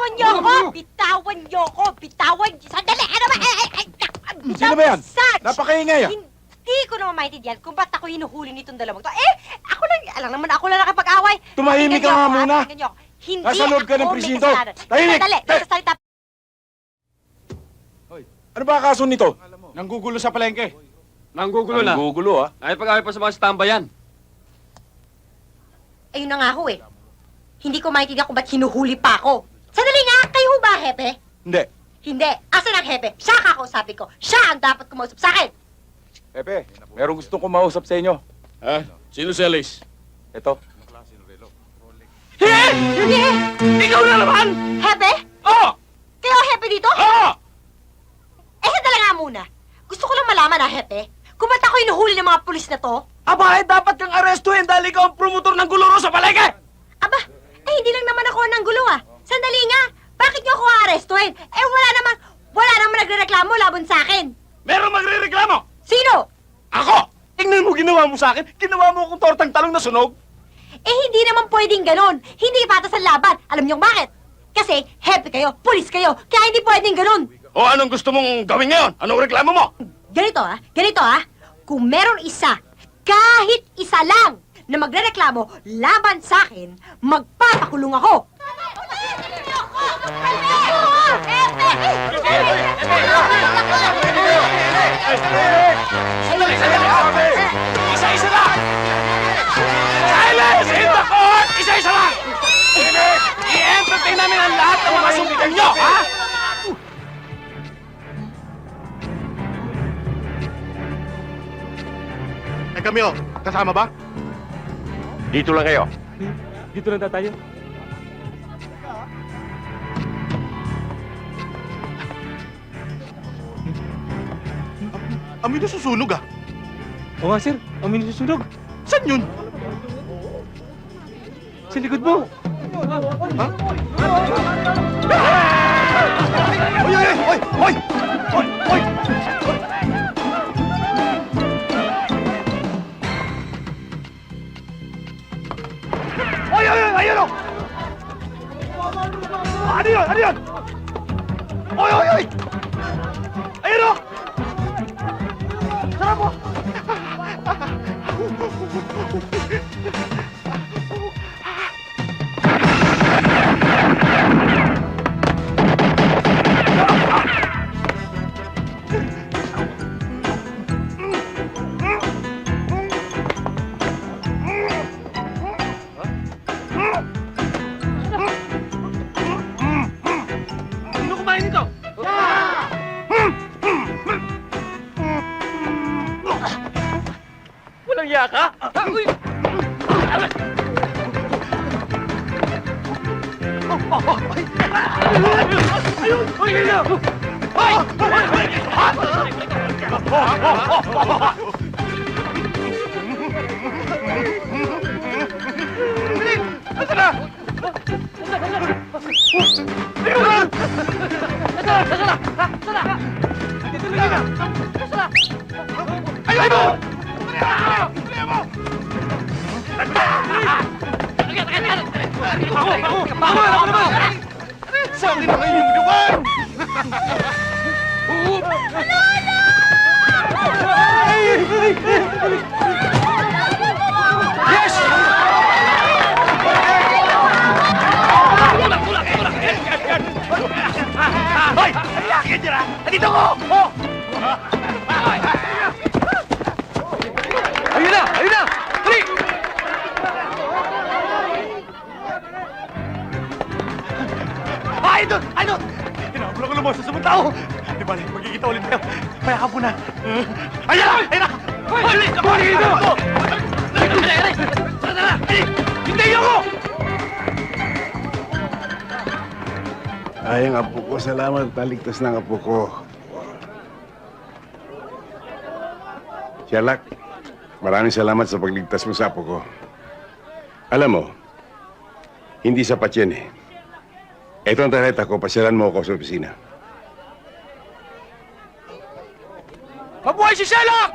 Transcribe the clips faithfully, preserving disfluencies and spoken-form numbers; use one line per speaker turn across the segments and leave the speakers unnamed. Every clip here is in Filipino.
Bitawan niyo ako! Bitawan niyo ako! Bitawan! Sandali! Ano ba? Ay, ay, ay, bitawan!
Sino ba yan?
Sarge!
Napakaingay ah.
Hindi ko naman maintindihan kung ba't ako hinuhuli nitong dalawang to. Eh, ako lang, alam naman ako lang nakapag-away.
Tumahimik ka
Pakinggan
nga
niyo ako,
muna.
ha? Pakinggan niyo ako. Hindi
Nasa loob ka ng
ako may
presinto.
kasalanan.
Tahimik!
Sandali,
Eh!
nagsasalita.
Ano ba kaso nito? Nanggugulo sa palengke.
Nanggugulo na.
Nanggugulo ah.
Ay pag-away pa sa mga stambayan.
Ayun na nga ho eh. Hindi ko maintindihan kung ba't hinuhuli pa ako. Sandali nga, kayo ho ba, Hepe?
Hindi.
Hindi. Asan ang Hepe? Siya kakausapin ko. Siya ang dapat kumausap sa akin.
Pepe, meron gustong kumausap sa inyo.
Ha? Sino si Alice?
Ito.
Hindi!
Ikaw na naman!
Hepe?
Oo!
Kayo ang Hepe dito?
Oo!
Eh, sandali nga muna. Gusto ko lang malaman, ha, Hepe? Kung ba't ako hinuhuli ng mga pulis na to?
Aba, eh, dapat kang arestuhin dahil ikaw ang promotor ng guluro sa palengke!
Aba, eh, hindi lang naman ako ng gulo, ah. Sandali nga. Bakit niyo ako aarestuhin? Eh, wala naman, wala naman nagrereklamo laban sa akin.
Meron magre-reklamo!
Sino?
Ako! Tingnan mo ginawa mo sa akin. Ginawa mo akong tortang talong na sunog.
Eh, hindi naman pwedeng ganon. Hindi patas ang laban. Alam niyo bakit? Kasi, hepe kayo, pulis kayo, kaya hindi pwedeng ganon.
O anong gusto mong gawin ngayon? Anong reklamo mo?
Ganito, ah. Ganito, ah. Kung meron isa, kahit isa lang, na magrereklamo laban sa akin, magpapakulong ako.
Isa-isa lang! Silence in the court! Isa-isa lang! I-entertain namin ang lahat ng mga sumikal nyo, ha?
Eh kami oh, kasama ba?
Dito lang kayo.
Dito lang tayo. Amoy na susunog ah.
Oo nga, sir. Amoy nasusunog.
Saan yun?
Sa likod mo.
Ha? Oy, oy, oy, oy! Oy, oy! Oy, oy, oy! Ayun oh! Ano yun? Ano yun? Oy, oy, oy! Ayun oh! Sarap oh!
Sino kumain nito? Walang iya ka? Uy! Ayun! Uy, ganyan! Hoy! Asa na? Ayun! Ayun mo! Ako! Ako! Ako! Ako naman! Sa akin ang inyong duwan! Yes! Tulak! Tulak! Tulak! Hoy! Ayan dyan ah! Andito ko! Oh! Ayun na! Ayun na! Dali! Ay, doon! Ay, doon! Tinabla ko lumos sa sabong tao! Di ba, magkikita ulit tayo. Payakap mo na. Ayan na! Ayan na! Hoy! Dali! Kapuli dito! Dali! Dali! Dali! Dali! Hindi ako!
Ay, ang apo ko. Salamat. Taligtas ng apo ko. Sherlock, maraming salamat sa pagligtas mo sa apo ko. Alam mo, hindi sapat yan eh. Ito ang tarjeta ko. Pasyalan mo ako sa opisina.
Mabuhay si Sherlock!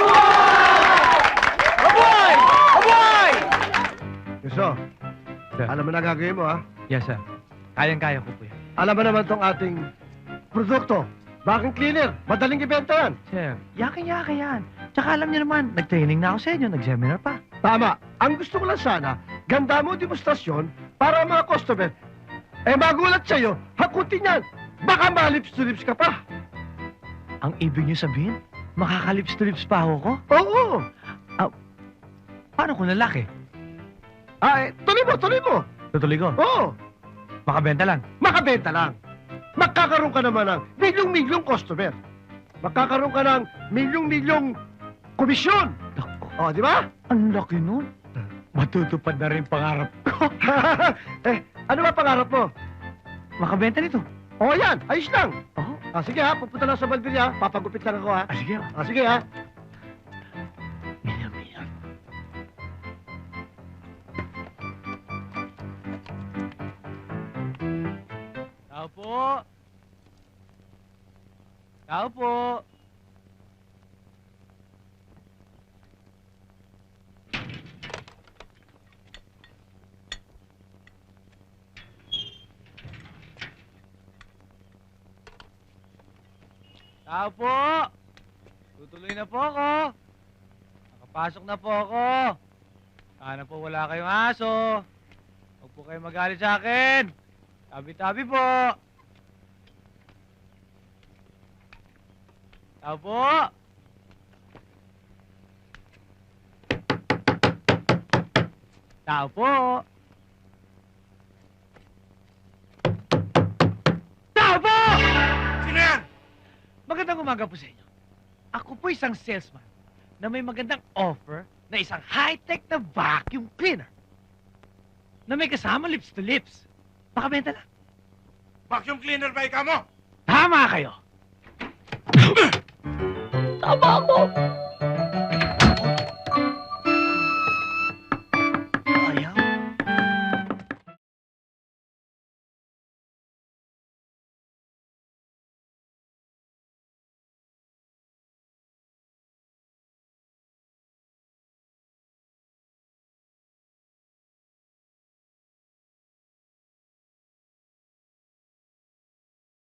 Mabuhay! Mabuhay!
Gusto,
Sir.
alam mo na gagawin mo ha?
Yes, sir. Kayang-kaya ko po yan.
alam mo naman tong ating produkto. Vacuum cleaner. Madaling ibenta yan.
Sir, yakin-yaka yan. Tsaka alam niyo naman, nag-training na ako sa inyo, nag-seminar pa.
Tama. Ang gusto ko lang sana, ganda mo demonstrasyon para ang mga customer, eh magulat sa'yo, hakutin yan. Baka malips to lips ka pa.
Ang ibig niyo sabihin, makakalips to lips pa ako ko?
Oo.
Paano kung lalaki?
Ah, eh, tuloy mo, tuloy mo.
Tutuloy ko.
Oo.
Makabenta lang.
Makabenta lang. Magkakaroon ka naman ng milyong-milyong customer. Magkakaroon ka ng milyong-milyong komisyon.
Naku,
O, di ba?
ang laki nun. Matutupad na rin pangarap ko.
eh, ano ba pangarap mo?
Makabenta nito.
O, yan. Ayos lang.
Oo.
Ah, sige ha, pupunta lang sa Balbiria. Papagupit lang ako ha.
Ah, sige.
Ah, sige ha.
Milyon, milyon. Tao po. Tao po. Tao po. Tutuloy na po ako. Nakapasok na po ako. Sana po wala kayong aso. Huwag po kayo magalit sa akin. Tabi-tabi po. Tao po. Tao po. Tao po!
Sino yan?
Magandang umaga po sa inyo. Ako po isang salesman na may magandang offer na isang high-tech na vacuum cleaner na may kasama lips to lips. Pakabenta lang.
Vacuum cleaner ba ikaw mo?
Tama kayo.
Tama ako.